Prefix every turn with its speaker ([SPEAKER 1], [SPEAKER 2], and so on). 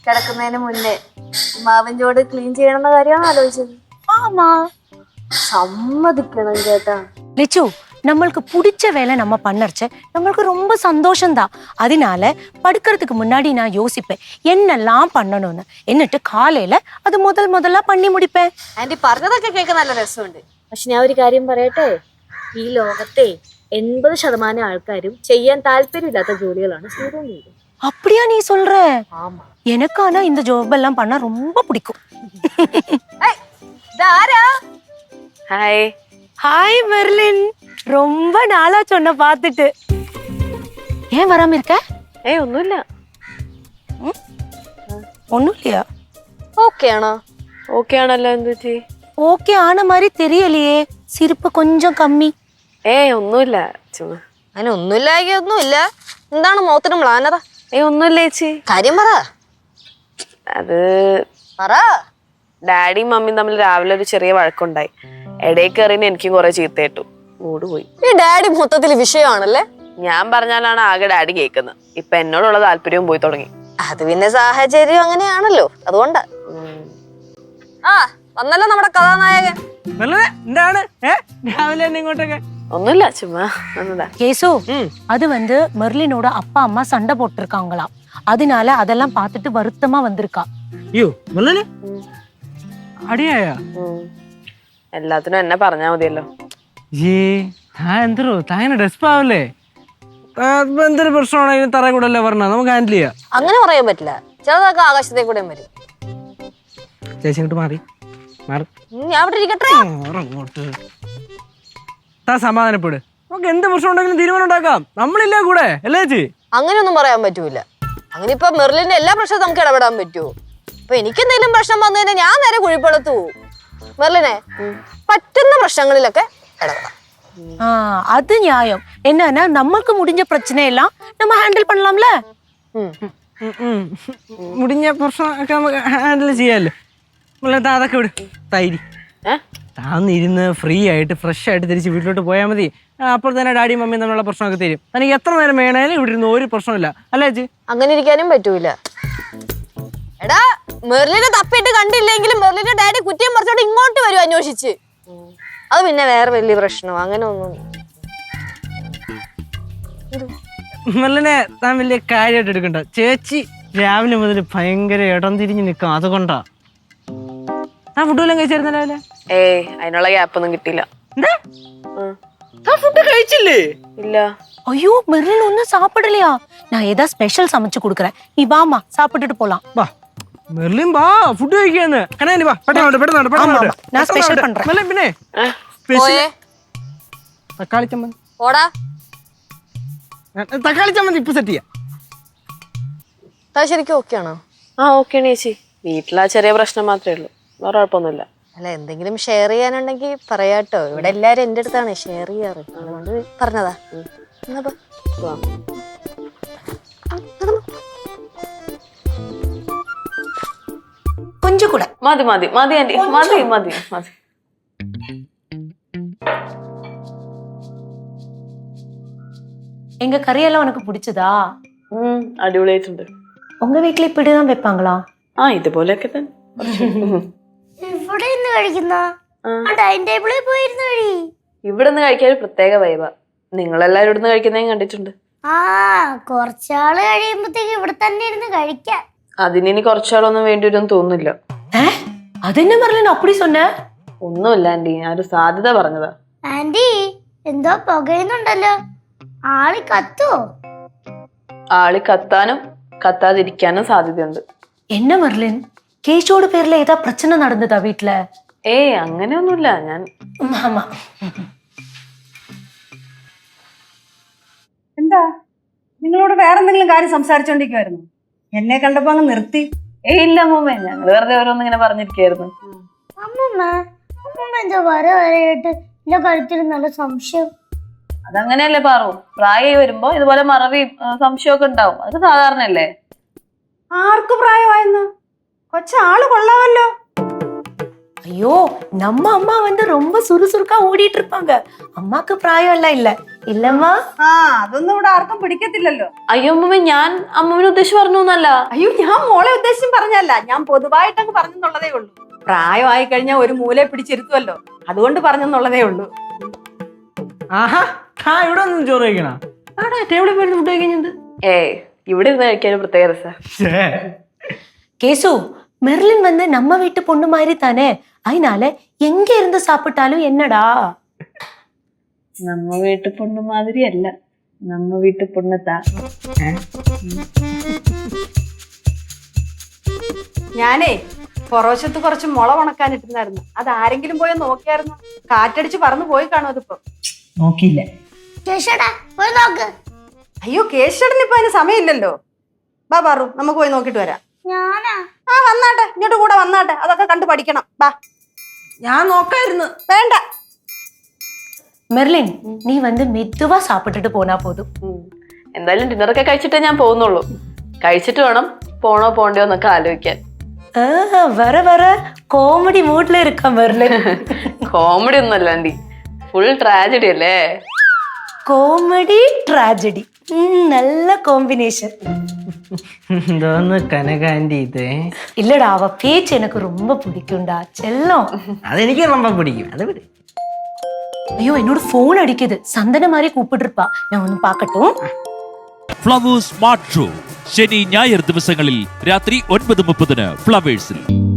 [SPEAKER 1] കിടക്കുന്നതിന് മുന്നേ മാവൻ ചോട് ക്ലീൻ ചെയ്യണമെന്ന കാര്യമാണ് ആലോചിച്ചത്.
[SPEAKER 2] ஆமா
[SPEAKER 1] സമ്മതിക്കണം കേട്ടാ.
[SPEAKER 2] லிச்சு நம்மளுக்கு பிடிச்ச வேலை நம்ம பண்ணறச்ச நம்மளுக்கு ரொம்ப சந்தோஷம்தான். அதனால படுக்கிறதுக்கு முன்னாடி நான் யோசிப்பேன் என்னெல்லாம் பண்ணணும்னு. എന്നിട്ട് കാലയില അത് முதல்ல பண்ணி முடிப்பேன்.
[SPEAKER 1] ആന്റി പറഞ്ഞതൊക്കെ കേൾക്കാൻ നല്ല രസമുണ്ട്. പക്ഷെ ഞാൻ ഒരു കാര്യം പറയട്ടെ, ഈ ലോകത്തെ 80% ആൾക്കാരും ചെയ്യാൻ താല്പര്യമില്ലാത്ത ജോലികളാണ് ചെയ്തുകൊണ്ടിരിക്കുന്നത്.
[SPEAKER 2] அப்படியா நீ சொல்ற?
[SPEAKER 1] ஆமா.
[SPEAKER 2] எனக்கு ஆனா இந்த ஜாப் எல்லாம் பண்ணா ரொம்ப பிடிக்கும்.
[SPEAKER 3] ஹாய்.
[SPEAKER 2] ஹாய் மெர்லின், ரொம்ப நாளா சொன்ன பாத்துட்டு. ஏன் வராம இருக்க?
[SPEAKER 3] ഒന്നുമില്ല.
[SPEAKER 2] ஒண்ணும் இல்லையா?
[SPEAKER 1] ഓക്കെ ആണോ?
[SPEAKER 3] ഓക്കെ ആണല്ലോ. എന്ത് പറ്റി?
[SPEAKER 2] ஓகே ஆன மாதிரி தெரியலையே, சிரிப்பு கொஞ்சம் கம்மി.
[SPEAKER 3] ഒന്നുമില്ല ചുമ്മാ.
[SPEAKER 1] അങ്ങനെ ഒന്നുമില്ലായി ഒന്നുമില്ല. എന്താണ് മുഖത്തിന് മ്ലാനത?
[SPEAKER 3] ഒന്നുമില്ല ചേച്ചി.
[SPEAKER 1] കാര്യം പറ.
[SPEAKER 3] അത്
[SPEAKER 1] പറ.
[SPEAKER 3] ഡാഡിയും മമ്മിയും തമ്മിൽ രാവിലെ ഒരു ചെറിയ വഴക്കുണ്ടായി. ഇടയിൽ കയറിന് എനിക്കും കുറെ ചീത്തയിട്ടു. മൂഡ് പോയി.
[SPEAKER 1] ഈ ഡാഡി മൊത്തത്തിൽ വിഷയമാണല്ലേ.
[SPEAKER 3] ഞാൻ പറഞ്ഞാലാണ് ആകെ ഡാഡി കേൾക്കുന്നത്. ഇപ്പൊ എന്നോടുള്ള താല്പര്യവും പോയി തുടങ്ങി.
[SPEAKER 1] അത് പിന്നെ സാഹചര്യം അങ്ങനെയാണല്ലോ, അതുകൊണ്ടാ. ആ വന്നല്ലോ നമ്മുടെ കഥാനായകൻ.
[SPEAKER 4] എന്താണ് രാവിലെ തന്നെ ഇങ്ങോട്ടൊക്കെ?
[SPEAKER 3] ഒന്നുമില്ല ചുമ്മാ വന്നതാ.
[SPEAKER 2] கேசு, அது மெர்லினோட அப்பா அம்மா சண்டை போட்டிருக்காங்களாம். அதனால அதெல்லாம் பார்த்துட்டு வருத்தமா வந்திருக்கா.
[SPEAKER 4] അയ്യോ മുരളി അടിയായ?
[SPEAKER 3] എല്ലാത്തിനും എന്നെ പറഞ്ഞാ മതിയല്ലോ.
[SPEAKER 4] എന്തോ താങ്ങനെ ഡെസ്പാവല്ലേ? എന്തൊരു പ്രശ്നമാണെങ്കിലും തറ കൂടെ അല്ലേ പറഞ്ഞ നമുക്ക് ഹാൻഡിൽ ചെയ്യാം.
[SPEAKER 1] അങ്ങനെ പറയാൻ പറ്റില്ല, ചിലതൊക്കെ ആകാശത്തെ കൂടെ വരും.
[SPEAKER 4] ചേച്ചി ഇങ്ങോട്ട് മാറി മാറി
[SPEAKER 1] ഞാൻ ഇവിടെ ഇരിക്കട്ടെ.
[SPEAKER 4] അങ്ങോട്ട് താ സമാധാനപ്പെട്. നമുക്ക് എന്ത് പ്രശ്നം ഉണ്ടെങ്കിലും തീരുമാനം ഉണ്ടാക്കാം. നമ്മളില്ലേ കൂടെ അല്ലേ ചേച്ചി?
[SPEAKER 1] അങ്ങനെയൊന്നും പറയാൻ പറ്റൂല. അങ്ങനെ ഇപ്പൊ മെർലിന്റെ എല്ലാ പ്രശ്നവും നമുക്ക് ഇടപെടാൻ പറ്റുമോ? ഇപ്പൊ എനിക്ക് എന്തെങ്കിലും പ്രശ്നം വന്നു കഴിഞ്ഞാൽ ഞാൻ നേരെ കുഴിപ്പടുത്തു പോവും. മെർലിനെ പറ്റുന്ന പ്രശ്നങ്ങളിലൊക്കെ ഇടപെടാം.
[SPEAKER 2] அது நியாயம். என்னன்னா நமக்கு முடிஞ்ச பிரச்சனை எல்லாம் நம்ம ஹேண்டில் பண்ணலாம்ல.
[SPEAKER 4] മുടിഞ്ഞ പ്രശ്നമൊക്കെ നമുക്ക് ഹാൻഡിൽ ചെയ്യാമല്ലോ. അതൊക്കെ വിട്. തൈരി താന്നിരുന്ന് ഫ്രീ ആയിട്ട് ഫ്രഷ് ആയിട്ട് തിരിച്ച് വീട്ടിലോട്ട് പോയാൽ മതി. അപ്പോൾ തന്നെ ഡാഡിയും മമ്മിയും തമ്മിലുള്ള പ്രശ്നമൊക്കെ തരും. തനിക്ക് എത്ര നേരം വേണേലും ഇവിടെ ഇരുന്ന് ഒരു പ്രശ്നമില്ല അല്ലേ ചേച്ചി?
[SPEAKER 1] അങ്ങനെ ഇരിക്കാനും പറ്റൂല. എടാ മെർലിനെ തപ്പിട്ട് കണ്ടില്ലെങ്കിലും മെർലിന്റെ ഡാഡി കുറ്റിയും പറിച്ചോണ്ട് ഇങ്ങോട്ട് വരും അന്വേഷിച്ച്. അത് പിന്നെ വേറെ വലിയ പ്രശ്നം അങ്ങനെ ഒന്നും.
[SPEAKER 4] മെർലിനെ താൻ വലിയ കാര്യമായിട്ട് എടുക്കണ്ട. ചേച്ചി രാവിലെ മുതൽ ഭയങ്കര ഇടം തിരിഞ്ഞ് നിൽക്കാം, അതുകൊണ്ടാ. ആ ഫുഡ് വല്ലതും കഴിച്ചായിരുന്ന രാവിലെ?
[SPEAKER 3] അതിനുള്ള ഗ്യാപ്പൊന്നും കിട്ടിയില്ല.
[SPEAKER 4] ഫുഡ് കഴിച്ചില്ലേ?
[SPEAKER 3] ഇല്ല.
[SPEAKER 2] ஐயோ மெர்லின் ஒன்னும் சாப்பிடலையா? நான் ஏதாவது ஸ்பெஷல் சமைச்சு கொடுக்குறேன், நீ வாமா சாப்பிட்டுட்டு போலாம்.
[SPEAKER 4] വാ മെർലിൻ വാ ഫുഡ് കഴിക്കാന്ന്. കനാനി വാ പെട്ടെന്ന്.
[SPEAKER 2] நான் ஸ்பெஷல் பண்றேன்.
[SPEAKER 4] പിന്നെ തക്കാളി ചമ്മന്തി.
[SPEAKER 1] ഓടാ
[SPEAKER 4] തക്കാളി ചമ്മന്തി ഇപ്പൊ സെറ്റ് ചെയ്യാം.
[SPEAKER 1] ശരിക്കും ഓക്കെ ആണോ?
[SPEAKER 3] ഓക്കെ ചേച്ചി. വീട്ടിലാ ചെറിയ പ്രശ്നം മാത്രമേ ഉള്ളൂ, വേറെ കുഴപ്പമൊന്നുമില്ല.
[SPEAKER 1] അല്ല എന്തെങ്കിലും ഷെയർ ചെയ്യാനുണ്ടെങ്കിൽ പറയാട്ടോ. ഇവിടെ എല്ലാരും എന്റെ അടുത്താണ് ഷെയർ ചെയ്യാറ്, അതുകൊണ്ട് പറഞ്ഞതാ.
[SPEAKER 2] கொஞ்சம் கூட
[SPEAKER 3] മതി മതി മതി ആന്റി, മതി മതി മതി.
[SPEAKER 2] எங்க கறியெல்லாம் உனக்கு பிடிச்சதா?
[SPEAKER 3] അടിപൊളിയായിട്ടുണ്ട്.
[SPEAKER 2] உங்க வீட்ல இப்படிதான் வைப்பாங்களா?
[SPEAKER 3] ഇതുപോലെയൊക്കെ തന്നെ.
[SPEAKER 5] ഇവിടെ നിന്ന് കഴിക്കുന്ന ഡൈനിങ് ടേബിളിൽ പോയിരുന്നു കഴി.
[SPEAKER 3] ഇവിടെ നിന്ന് കഴിക്കാൻ ഒരു പ്രത്യേക വൈബാ. നിങ്ങളെല്ലാരും ഇവിടുന്ന് കഴിക്കുന്നതും കണ്ടിട്ടുണ്ട്.
[SPEAKER 5] കുറച്ചാള് കഴിയുമ്പോഴത്തേക്ക് ഇവിടെ തന്നെ ഇരുന്ന് കഴിക്കാം.
[SPEAKER 3] അതിനി കുറച്ചാളൊന്നും വേണ്ടി വരുമെന്ന് തോന്നുന്നില്ല.
[SPEAKER 2] அது என்ன மெர்லின் அப்படி சொன்ன?
[SPEAKER 3] ഒന്നുമില്ല ആന്റി, ഞാനൊരു സാധ്യത പറഞ്ഞതാ.
[SPEAKER 5] ആന്റി എന്തോ പുകയുന്നുണ്ടല്ലോ, ആളി കത്തോ?
[SPEAKER 3] ആളി കത്താനും കത്താതിരിക്കാനും സാധ്യതയുണ്ട്.
[SPEAKER 2] என்ன மெர்லின், கேஷோட பேர்ல ஏதா பிரச்சனை நடந்ததா வீட்ல?
[SPEAKER 3] അങ്ങനെയൊന്നുമില്ല. ഞാൻ
[SPEAKER 2] ஆமா.
[SPEAKER 6] എന്താ നിങ്ങളോട് വേറെന്തെങ്കിലും കാര്യം സംസാരിച്ചോണ്ടിരിക്കുവായിരുന്നു? എന്നെ കണ്ടപ്പോ അങ്ങ് നിർത്തി.
[SPEAKER 3] ഇല്ല അമ്മൂമ്മ, ഞങ്ങൾ വെറുതെ ഓരോന്നും ഇങ്ങനെ പറഞ്ഞിരിക്കായിരുന്നു.
[SPEAKER 5] അമ്മൂമ്മ എന്തോ വരയിട്ട് എന്റെ കഴുത്തിൽ നല്ല സംശയം.
[SPEAKER 3] അതങ്ങനെയല്ലേ പാറു, പ്രായമായി വരുമ്പോ ഇതുപോലെ മറവിയും സംശയമൊക്കെ ഉണ്ടാവും. അത് സാധാരണയല്ലേ.
[SPEAKER 6] ആർക്ക് പ്രായമായെന്ന്? കൊച്ചാള് കൊള്ളാമല്ലോ.
[SPEAKER 2] ஐயோ நம்ம அம்மா வந்து ரொம்ப சுறுசுறுக்கா ஓடிட்டு இருப்பாங்க. അമ്മക്ക് പ്രായമല്ല ഇല്ല ഇല്ലമ്മ.
[SPEAKER 6] ആ അതൊന്നും ഇവിടെ ആർക്കും പിടിക്കത്തില്ലല്ലോ.
[SPEAKER 3] അയ്യോ അമ്മമ്മ, ഞാൻ അമ്മമ്മനെ ഉദ്ദേശിച്ച് പറഞ്ഞു എന്നല്ല.
[SPEAKER 6] അയ്യോ ഞാൻ മോളെ ഉദ്ദേശിച്ചും പറഞ്ഞല്ല, ഞാൻ പൊതുവായിട്ടങ്ങ് പറഞ്ഞെന്നുള്ളതേ ഉള്ളൂ. പ്രായമായി കഴിഞ്ഞാൽ ഒരു മൂലയെ പിടിച്ചിരുത്തുമല്ലോ, അതുകൊണ്ട് പറഞ്ഞെന്നുള്ളതേ ഉള്ളൂ.
[SPEAKER 4] ആഹാ, ആ ഇവിടെ ഒന്നും ചോറ് കഴിക്കണ? ആടാ ടേബിളിൽ പോയി ഫുഡ് കഴിക്കുന്നത്.
[SPEAKER 3] ഏയ്, ഇവിടെ ഇരുന്ന് കഴിക്കാൻ ഒരു പ്രത്യേക രസാ.
[SPEAKER 2] கேசு, மெர்லின் வந்து நம்ம வீட்டு பொண்ணு மாதிரி தானே, அதனால எங்க இருந்து சாப்பிட்டாலும் என்னடா.
[SPEAKER 3] നമ്മ വീട്ടു പൊണ്ണു മാതിരി അല്ല, നമ്മ വീട്ടു പൊണ്ണത്താ.
[SPEAKER 6] ഞാനേ പുറവശത്ത് കുറച്ച് മുള ഉണക്കാനിട്ടുണ്ടായിരുന്നു, അത് ആരെങ്കിലും പോയി നോക്കിയായിരുന്നു? കാറ്റടിച്ച് പറന്നു പോയി കാണും അതിപ്പോ.
[SPEAKER 4] നോക്കിയില്ല.
[SPEAKER 5] ചേച്ചേട്ടാ പോയി നോക്ക്.
[SPEAKER 6] അയ്യോ കേശടന് ഇപ്പൊ അതിന് സമയമില്ലല്ലോ. ബാ പാറു, നമുക്ക് പോയി നോക്കിട്ട് വരാം.
[SPEAKER 5] ഞാനാ
[SPEAKER 6] ആ വന്നാട്ടെ, ഇങ്ങോട്ട് കൂടെ വന്നാട്ടെ, അതൊക്കെ കണ്ടു പഠിക്കണം. ബാ.
[SPEAKER 4] ഞാൻ നോക്കായിരുന്നു.
[SPEAKER 6] വേണ്ട.
[SPEAKER 2] மெர்லின், நீ வந்து மெதுவா சாப்பிட்டுட்டு போனா போதும்.
[SPEAKER 3] എന്തായാലും ഡിന്നറൊക്കെ കഴിച്ചിട്ടേ ഞാൻ പോകുന്നുള്ളൂ. കഴിച്ചിട്ട് വേണം പോണോ പോണ്ടയോ എന്നൊക്കെ ആലോചിക്കാൻ.
[SPEAKER 2] வர வர കോമഡി മൂഡിൽ இருக்க மெர்லின்.
[SPEAKER 3] കോമഡി ഒന്നല്ല ആൻറ്റി, ഫുൾ ട്രാജഡി അല്ലേ.
[SPEAKER 2] കോമഡി ട്രാജഡി, நல்ல കോമ്പിനേഷൻ.
[SPEAKER 4] എന്തോന്ന് കനകാന്റി ഇത്?
[SPEAKER 2] இல்லடா, அவ பேச்சு எனக்கு ரொம்ப பிடிக்கும்டா செல்லம்.
[SPEAKER 4] അതെനിക്ക് ரொம்ப പിടിക്കും. അത് വിട്.
[SPEAKER 2] ஐயோ என்னோட போன் அடிக்குது, சந்தன மாதிரி கூப்பிட்டு இருப்பா, நான் ஒன்னு பாக்கட்டும்.
[SPEAKER 7] ഫ്ലവേഴ്സ് സ്മാർട്ട് ഷോ ശനി ഞായർ ദിവസങ്ങളിൽ രാത്രി 9:30 ഫ്ലവേഴ്സിൽ.